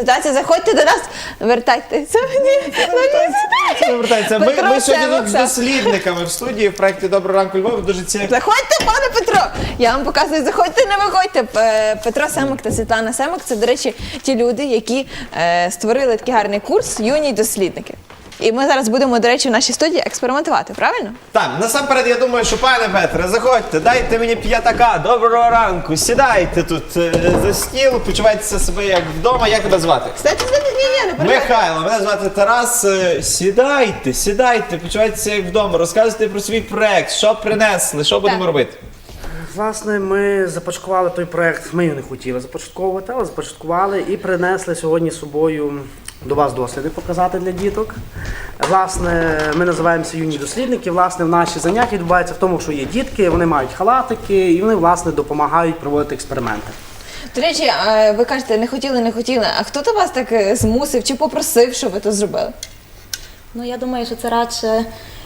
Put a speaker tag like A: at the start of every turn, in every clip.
A: ситуація. Заходьте до нас, вертайтеся.
B: Це не вертається. Ми
A: Петро
B: сьогодні
A: Семок,
B: з дослідниками в студії в проєкті «Доброго ранку, Львов». Дуже цікаво.
A: Заходьте, пане Петро! Я вам показую, заходьте, не виходьте. Петро Семок та Світлана Семок – це, до речі, ті люди, які створили такий гарний курс «Юні дослідники». І ми зараз будемо, до речі, в нашій студії експериментувати, правильно?
B: Так, насамперед, я думаю, що, пане Петре, заходьте, дайте мені п'ятака, доброго ранку, сідайте тут за стіл, почувайтеся себе як вдома. Як тебе звати?
A: Кстати, ні, не переживайте.
B: Михайло, мене звати Тарас. Сідайте, почувайтеся як вдома, розказуйте про свій проект, що принесли, що будемо робити.
C: Власне, ми започаткували той проект, ми його не хотіли започатковувати, але започаткували і принесли сьогодні з собою до вас досліди показати для діток. Власне, ми називаємося «Юні дослідники». Власне, в наші заняття відбуваються в тому, що є дітки, вони мають халатики і вони, власне, допомагають проводити експерименти.
A: До речі, ви кажете, не хотіли. А хто то вас так змусив чи попросив, щоб ви то зробили?
D: Ну, я думаю, що це радше,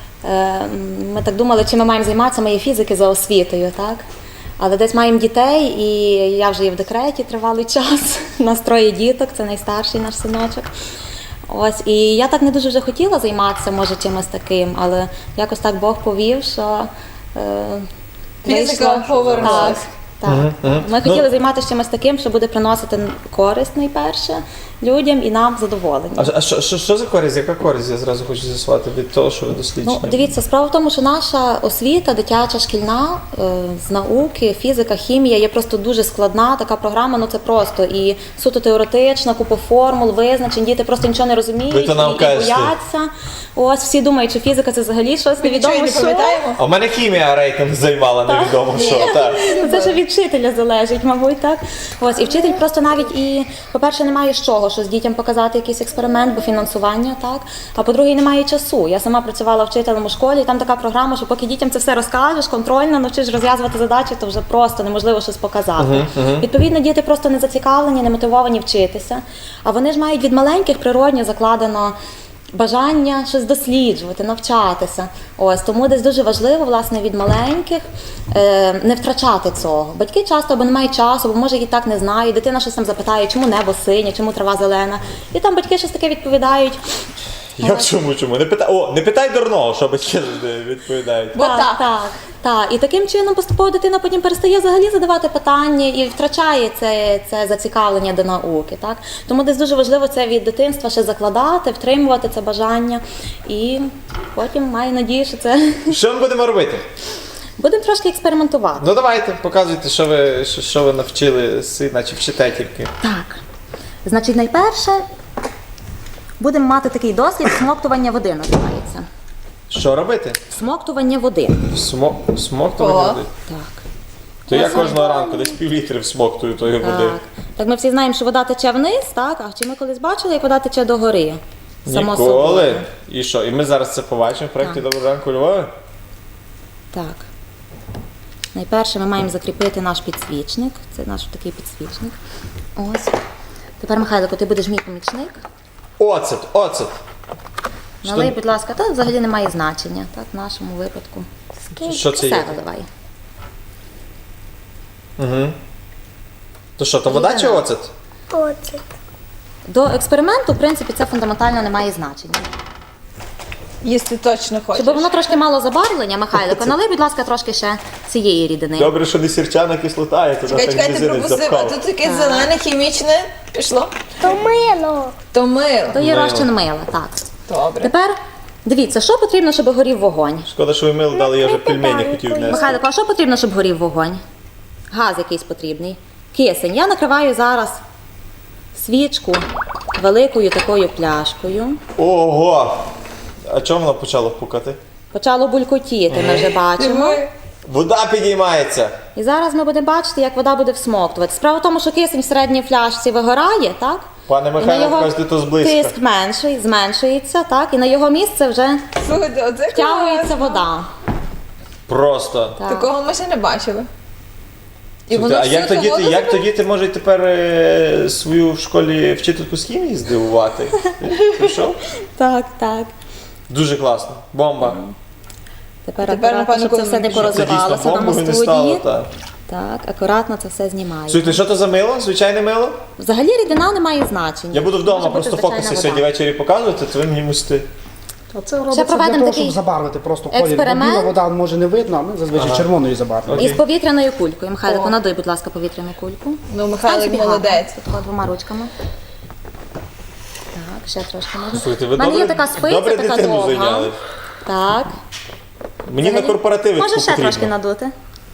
D: ми так думали, чим ми маємо займатися, ми є фізики за освітою, так? Але десь маємо дітей, і я вже є в декреті тривалий час, у нас 3 діток, це найстарший наш синочок. Ось, і я так не дуже вже хотіла займатися, може, чимось таким, але якось так Бог повів, що
A: Фізика повернулась.
D: Так. Ми хотіли займатися чимось таким, що буде приносити користь найперше людям і нам задоволення.
B: А що за користь? Яка користь? Я зразу хочу з'ясувати від того, що ви досліджуєте.
D: Ну, дивіться, справа в тому, що наша освіта, дитяча, шкільна, з науки, фізика, хімія є просто дуже складна така програма, ну це просто і суто теоретична, купа формул, визначень, діти просто нічого не розуміють
B: Ви то нам
D: і
B: кажете.
D: бояться. Ось, всі думають, що фізика це взагалі щось невідомо
A: Нічого не
D: що.
A: пам'ятаємо?
B: А в мене хімія рейтинг займала, невідомо що. Так.
D: Ну, це ж від вчителя залежить, мабуть, так. Ось, і вчитель просто навіть і, по-перше, немає з чого, що з дітям показати якийсь експеримент, бо фінансування, так. А по-друге, немає часу. Я сама працювала вчителем у школі, і там така програма, що поки дітям це все розкажеш, контрольно, навчиш розв'язувати задачі, то вже просто неможливо щось показати. Відповідно, діти просто не зацікавлені, не мотивовані вчитися. А вони ж мають від маленьких природньо закладено бажання щось досліджувати, навчатися. Ось, тому десь дуже важливо, власне, від маленьких не втрачати цього. Батьки часто або не мають часу, або може і так не знають. Дитина щось там запитає, чому небо синє, чому трава зелена. І там батьки щось таке відповідають.
B: Як чому? Не питай дурного, що батьки завжди відповідають.
A: Бо так.
D: Так. І таким чином поступово дитина потім перестає взагалі задавати питання і втрачає це зацікавлення до науки. Так? Тому десь дуже важливо це від дитинства ще закладати, втримувати це бажання. І потім маю надію, що це
B: Що ми будемо робити?
D: будемо трошки експериментувати.
B: Ну давайте, показуйте, що ви навчили сина, чи вчите тільки.
D: Так. Значить, найперше будемо мати такий дослід смоктування води, називається.
B: Що робити?
D: Смоктування води.
B: Смоктувати
A: О.
B: води?
D: Так.
B: То я кожного ранку десь півлітри всмоктую тої води.
D: Так, ми всі знаємо, що вода тече вниз, так? А чи ми колись бачили, як вода тече догори? Само
B: Ніколи.
D: собою.
B: І що? І ми зараз це побачимо в проєкті «Доброго ранку, Львові»?
D: Так. Найперше ми маємо закріпити наш підсвічник. Це наш такий підсвічник. Ось. Тепер, Михайлико, ти будеш мій помічник.
B: Оцет.
D: Налий, будь ласка, то взагалі не має значення, так, в нашому випадку.
B: Що це є?
D: Все виливай.
B: То що, то вода чи оцет?
E: Оцет.
D: До експерименту, в принципі, це фундаментально не має значення.
A: Їсти точно хочеш.
D: Щоб воно трошки мало забарвлення, Михайлико, налий, будь ласка, трошки ще цієї рідини.
B: Добре, що не сірчана кислота, я туди так
A: Чекайте,
B: мізинець
A: пропустив, а
B: запхав.
A: тут таке зелене, хімічне пішло.
E: То мило.
A: То мило.
D: То є розчин мила, так.
A: Добре.
D: Тепер, дивіться, що потрібно, щоб горів вогонь?
B: Шкода, що ви мило дали, я вже пельмені хотів внести.
D: Михайлико, а що потрібно, щоб горів вогонь? Газ якийсь потрібний. Кисень. Я накриваю зараз свічку великою такою пляшкою.
B: Ого! А чому воно почало пукати?
D: Почало булькотіти, ми вже бачимо.
B: Вода підіймається.
D: І зараз ми будемо бачити, як вода буде всмоктувати. Справа в тому, що кисень в середній фляжці вигорає, так?
B: Пане
D: І на
B: Михайло,
D: його
B: кажете, то зблизька.
D: тиск зменшується, так? І на його місце вже
A: Слухайте, оце
D: втягується
A: класно.
D: вода.
B: Просто.
D: Так.
A: Такого ми ще не бачили. І
B: Слухайте, а
A: всю
B: як
A: ту
B: то
A: воду
B: діти, діти можуть тепер свою в школі вчительку з хімії здивувати? Пішов?
D: Так.
B: Дуже класно. Бомба.
D: Тепер
A: Тепер,
D: акуратно,
A: напевно,
D: щоб це все не
A: коли
B: Це дійсно
D: порозливалося нам у
B: бомбою не стало,
D: студії.
B: так.
D: Так, акуратно це все знімаю.
B: Слухайте, що то за мило? Звичайне мило?
D: Взагалі рідина не має значення.
B: Я буду
D: Може
B: вдома
D: бути
B: просто
D: звичайна
B: фокуси
D: вода.
B: сьогодні ввечері показувати, то ви мені мусите.
C: А це робиться для
D: проведемо
C: того,
D: такий
C: щоб забарвити просто колір. Бо
D: експеримент.
C: біла вода може не видно, а ми зазвичай червоною забарвимо.
D: Із повітряною кулькою. Михайлику, надуй, будь ласка, повітряну кульку.
A: Ну,
D: Стань
A: Михайлик
D: собі
A: молодець.
D: гарно, тако двома ручками. Так, ще трошки можна.
B: Слухайте, ви
D: У мене є
B: добре-
D: така спиця,
B: добре
D: така
B: дитину
D: довга.
B: зайняли.
D: Так.
B: Мені на корпоративи
D: Може ще
B: потрібно.
D: трошки надути.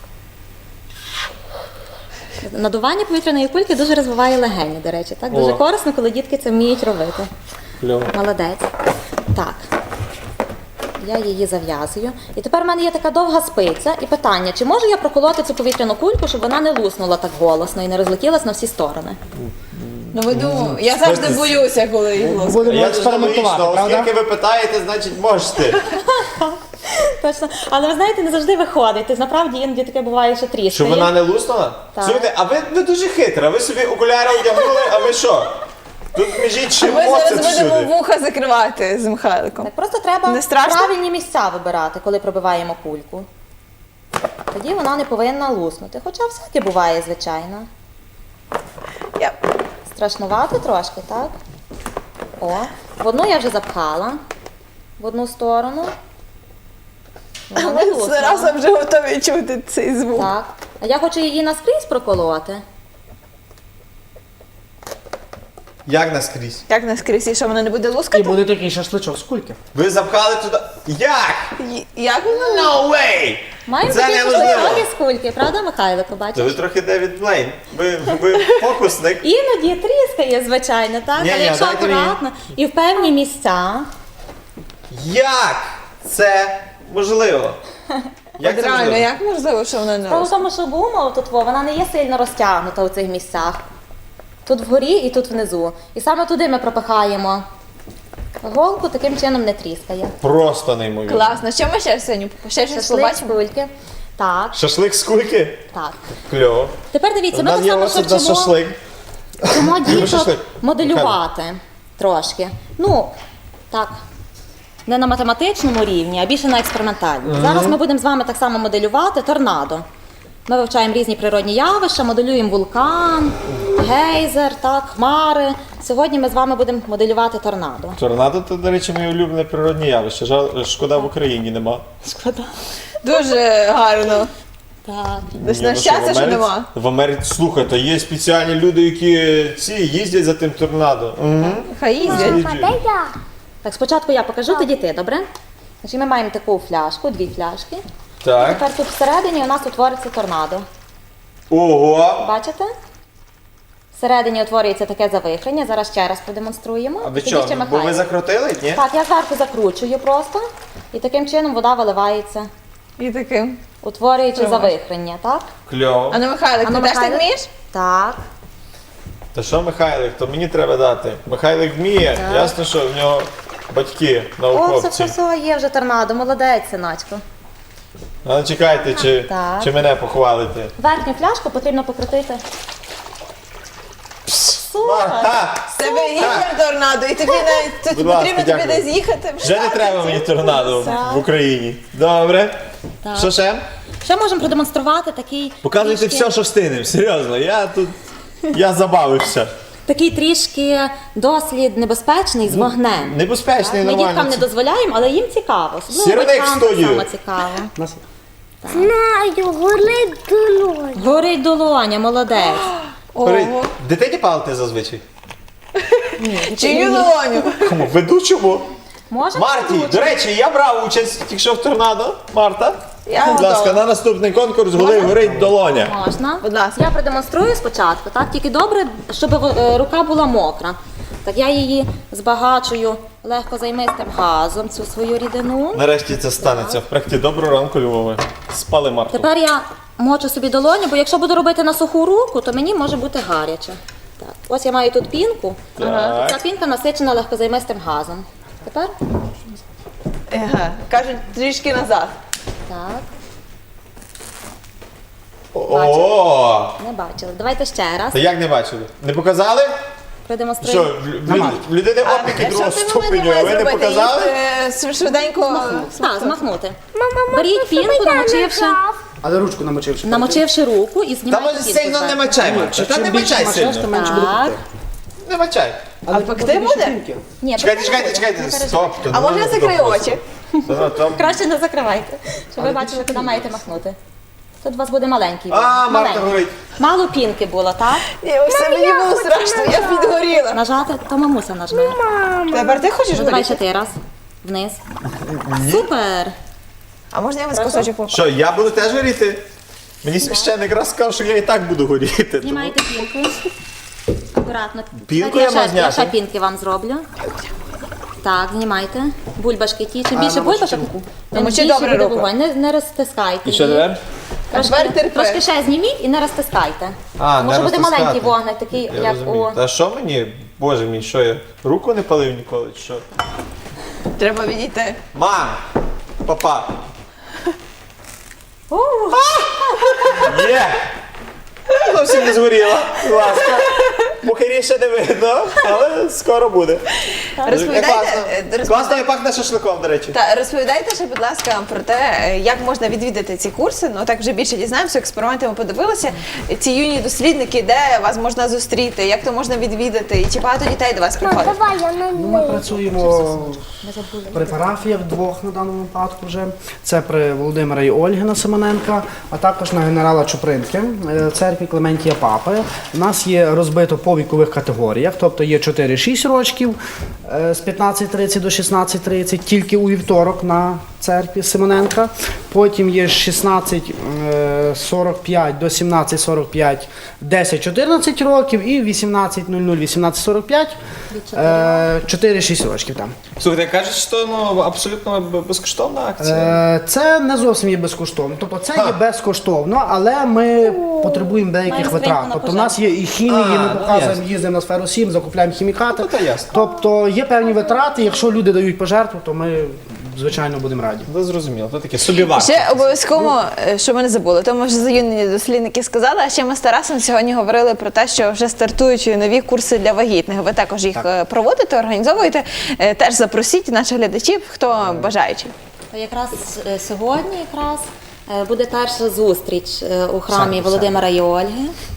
D: Надування повітряної кульки дуже розвиває легені, до речі. Так? Дуже
B: О.
D: корисно, коли дітки це вміють робити.
B: Кльово.
D: Молодець. Так. Я її зав'язую. І тепер в мене є така довга спиця. І питання, чи можу я проколоти цю повітряну кульку, щоб вона не луснула так голосно і не розлетілась на всі сторони?
A: Ну ви думаєте, я завжди боюся, коли їх лоскаю.
C: Будемо
B: Я ж логічно,
C: експериментувати,
B: оскільки
C: правда?
B: ви питаєте, значить можете.
D: Точно. Але ви знаєте, не завжди виходить. Тобто, насправді іноді таке буває, що тріскає.
B: Щоб вона не луснула?
D: Так.
B: Слухайте, а ви дуже хитра, ви собі окуляри одягнули, а ви що? Тут між ще
A: Ми
B: моцет
A: зараз будемо
B: всюди.
A: вуха закривати з Михайликом.
D: Так просто треба
A: Не страшно?
D: правильні місця вибирати, коли пробиваємо кульку. Тоді вона не повинна луснути. Хоча всяке буває, звичайно.
A: Я...
D: Страшнувати трошки, так? О, в одну я вже запхала. В одну сторону. Вона не
A: Ми
D: луснула.
A: разом вже готові чути цей звук.
D: Так. А я хочу її наскрізь проколоти.
B: Як наскрізь?
A: Як наскрізь, і що вона не буде
C: І
A: лускати?
C: буде такий шашличок з кульки.
B: Ви запхали туди. Як?
A: Як вона?
B: No way!
D: Маємо
B: Це
D: такі
B: неможливо.
D: шашлички з кульки, правда, Михайлико,
B: То
D: бачиш?
B: ви трохи Девід Блейн. Ви фокусник.
D: Іноді тріскає, звичайно, так?
B: Ні-ні,
D: Але якщо
B: дайте мені.
D: акуратно і в певні місця.
B: Як це можливо? Як це
A: Реально,
B: можливо?
A: як можливо, що вона не
D: Справа в
A: лускає?
D: тому, що гума тут вона не є сильно розтягнута у цих місцях. Тут вгорі і тут внизу. І саме туди ми пропихаємо голку, таким чином не тріскає.
B: Просто неймовірно.
A: Класно. Що ми ще сьогодні? Ще щось
D: Шашлик з
A: побачимо?
D: кульки. Так,
B: Шашлик з кульки?
D: так.
B: Кльово.
D: Тепер дивіться,
B: У
D: ми
B: нас
D: так
B: є
D: само
B: ось тут
D: ще
B: на
D: вчимо,
B: шашлик.
D: вчимо діток
B: шашлик.
D: моделювати трошки. Ну, так. Не на математичному рівні, а більше на експериментальному. Зараз ми будемо з вами так само моделювати торнадо. Ми вивчаємо різні природні явища, моделюємо вулкан, гейзер, так, хмари. Сьогодні ми з вами будемо моделювати торнадо.
B: Торнадо, то, до речі, моє улюблене природне явище. Шкода, в Україні нема.
D: Шкода.
A: Дуже гарно.
D: Так.
A: Десь
B: Ні,
A: на
B: ну
A: щастя,
B: в
A: що
B: Америці-
A: нема.
B: В Америці, слухайте, є спеціальні люди, які їздять за тим торнадо. Угу.
A: Хай їздять.
E: Дай я.
D: Так, спочатку я покажу, тоді ти, добре? Значить, ми маємо таку фляжку, дві фляжки. І
B: Так.
D: тепер тут всередині у нас утвориться торнадо.
B: Ого!
D: Бачите? Всередині утворюється таке завихрення. Зараз ще раз продемонструємо.
B: А ви
D: Тоді
B: що,
D: ще
B: бо
D: Михайло.
B: ви закрутили, ні?
D: Так, я зверху закручую просто. І таким чином вода виливається,
A: І таким.
D: утворюючи завихрення, так?
B: Кльово.
A: А ну, Михайлик,
D: А ну,
A: ти теж так
D: Михайлик?
A: вмієш?
D: Так.
B: Та що Михайлик, то мені треба дати. Михайлик вміє, ясно, що в нього батьки
D: О,
B: науковці.
D: все, є вже торнадо. Молодець, синочку.
B: А чекайте,
D: Так.
B: чи мене похвалите.
D: Верхню фляжку потрібно покрутити.
B: Ага,
A: З тебе гіперторнадо, і тобі навіть тут
B: Будь ласка,
A: потрібно тобі
B: дякую.
A: десь їхати.
B: вже не треба мені торнадо в Україні. Добре.
D: Так.
B: Що ще?
D: Ще можемо продемонструвати такий
B: Показуйте
D: трішки-
B: все, що встигнемо. Серйозно, я забавився.
D: Такий трішки дослід небезпечний з вогнем.
B: Небезпечний,
D: Ми діткам
B: нормально.
D: не дозволяємо, але їм цікаво. Особливо
B: Сірник
D: батькам так
B: студію.
D: само цікаво.
C: Нас
E: Знаю, горить долонь.
D: Горить долоня, молодець.
A: Ого.
B: Дитині палити зазвичай?
A: Чию долоню?
B: Кому? Ведучому?
D: Може?
B: Марті, до речі, я брав участь тільки що в торнадо. Марта,
A: Я
B: будь ласка,
A: готова.
B: на наступний конкурс горить долоня.
D: Можна.
A: Будь ласка.
D: Я продемонструю спочатку, так? Тільки добре, щоб рука була мокра. Так я її збагачую легкозаймистим газом, цю свою рідину.
B: Нарешті це станеться. В проєкті «Доброго ранку, Львове». Спали Марту.
D: Тепер я мочу собі долоню, бо якщо буду робити на суху руку, то мені може бути гаряче. Так. Ось я маю тут пінку.
B: Так.
D: Ця пінка насичена легкозаймистим газом. Тепер
A: Ага. Кажуть, трішки назад.
D: так,
B: О!
D: не бачили. Давайте ще раз
B: Та як не бачили? Не показали? Що,
D: продемонструємо.
B: в людини опіки другого ступеню, а ви не показали?
A: Швиденько
D: Так, змахнути. Беріть пінку, намочивши
C: Але ручку намочивши.
D: Намочивши руку і
B: Та
D: знімаєте
B: може
D: пінку
B: сильно не
D: зверху.
B: мачай, Марче. Та не мачай
C: то
B: сильно.
C: менше буде
D: Так.
C: пекти.
B: Не мачай.
C: Але
A: пекти
C: більше
A: буде?
C: пінки.
D: Ні,
B: Чекайте,
D: просто не
B: чекайте.
D: переживайте.
B: Стоп. то
A: А
B: не
A: може я
B: можна
A: закрию
B: просто.
A: очі?
B: Там-
D: Краще не закривайте, щоб ви бачили, куди маєте махнути. Тут у вас буде маленький.
B: А,
D: вогник,
B: Марта
D: маленький.
B: говорить.
D: Мало пінки було, так?
A: Ні, ось це мені було страшно, я підгоріла.
D: Нажати, то мамуся нажме.
A: Тепер ти хочеш
D: Ну, давай
A: горіти?
D: ще ти раз. Вниз. Супер!
A: А можна я вас кусочок попробую?
B: Що, я буду теж горіти? Мені священник раз сказав, що я і так буду горіти. тому-
D: Знімайте пінку. Акуратно.
B: Пінку
D: Так,
B: я мав
D: я
B: зняти?
D: ще пінки вам зроблю. Так, знімайте. Бульбашки ті. Чим більше бульбашок, тим
A: Намочи
D: більше
A: добре
D: буде
A: руку.
D: вогонь. Не розтискайте.
B: І що
D: її.
B: тепер?
A: А тепер терпи.
D: Трошки ще зніміть і не розтискайте.
B: А,
D: Тому
B: не
D: що буде
B: розтискати.
D: маленький вогник, такий,
B: Я
D: як
B: розумію.
D: у...
B: Та що мені? Боже мій, що я руку не палив ніколи, чи що?
A: Треба відійти.
B: Мам! Папа!
D: У,
B: Є! Зовсім не згоріла, будь ласка. Бухарі ще не видно, але скоро буде.
A: Розповідайте,
B: Класно і пахне шашликом, до речі.
A: Та розповідайте ще, будь ласка, про те, як можна відвідати ці курси. Ну так вже більше дізнаємося. Експерименти ми подивилися. Ці юні дослідники, де вас можна зустріти, як то можна відвідати, і чи багато дітей до вас
E: Мам,
A: приходить?
E: давай я на
C: Ми
E: неї.
C: працюємо при парафіях двох на даному випадку вже. Це при Володимира і Ольги Семененка, а також на генерала Чупринки в церкві Клементія Папи. У нас є розбито по вікових категоріях, тобто є 4-6 років з 15:30 до 16:30, тільки у вівторок на церкві Семененка. Потім є 16:45 до 17:45, 10-14 років і 18:00-18:45, 4-6 років там.
B: Слухайте, кажуть, що ну, абсолютно безкоштовна акція.
C: Це не зовсім є безкоштовно. Тобто це є безкоштовно, але ми потребуємо деяких
D: Маємо
C: витрат.
D: скриньку на
C: Тобто в нас є і хімії,
B: А,
C: ми
B: ну,
C: показуємо,
B: ясно.
C: їздимо на сферу 7, закупляємо хімікати.
B: Ну, то ясно.
C: Тобто є певні витрати, якщо люди дають пожертву, то ми звичайно будемо раді.
B: Ви зрозуміло, то таке собівартість.
A: Ще обов'язково, що ми не забули, тому вже заюнені дослідники сказали, а ще ми з Тарасом сьогодні говорили про те, що вже стартують нові курси для вагітних. Ви також їх проводите, організовуєте. Теж запросіть наших глядачів, хто бажаючий.
D: То якраз сьогодні буде перша зустріч у храмі
C: Все.
D: Володимира і Ольги.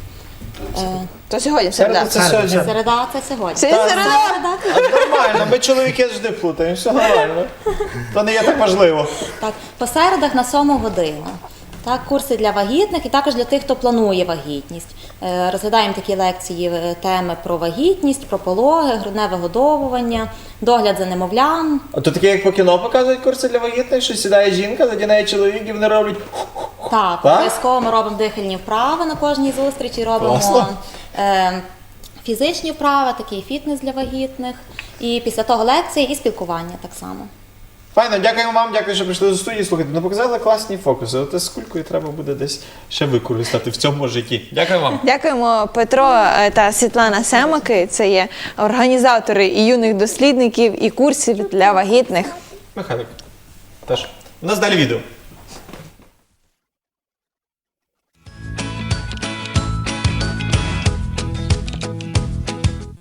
A: То сьогодні середа.
B: Це сьогодні.
D: Середа це сьогодні.
A: Це середа.
B: А нормально, ми чоловіки завжди плутаємо, все нормально. То не є так важливо.
D: Так, по середах на 7 годину. Так, курси для вагітних і також для тих, хто планує вагітність. Розглядаємо такі лекції, теми про вагітність, про пологи, грудне вигодовування, догляд за немовлям.
B: А то таке, як по кіно показують курси для вагітних, що сідає жінка, заді неї чоловік і вони роблять.
D: Так,
B: Так?
D: обов'язково ми робимо дихальні вправи на кожній зустрічі, робимо
B: Класно.
D: фізичні вправи, такий фітнес для вагітних. І після того лекції і спілкування так само.
B: Файно, дякуємо вам, дякую, що прийшли до студії. Слухайте, ну показали класні фокуси. От з кулькою треба буде десь ще використати в цьому житті. Дякую вам.
A: Дякуємо Петро та Світлана Семаки. Це є організатори і юних дослідників, і курсів для вагітних.
B: Михайлик. Теж. У нас далі відео.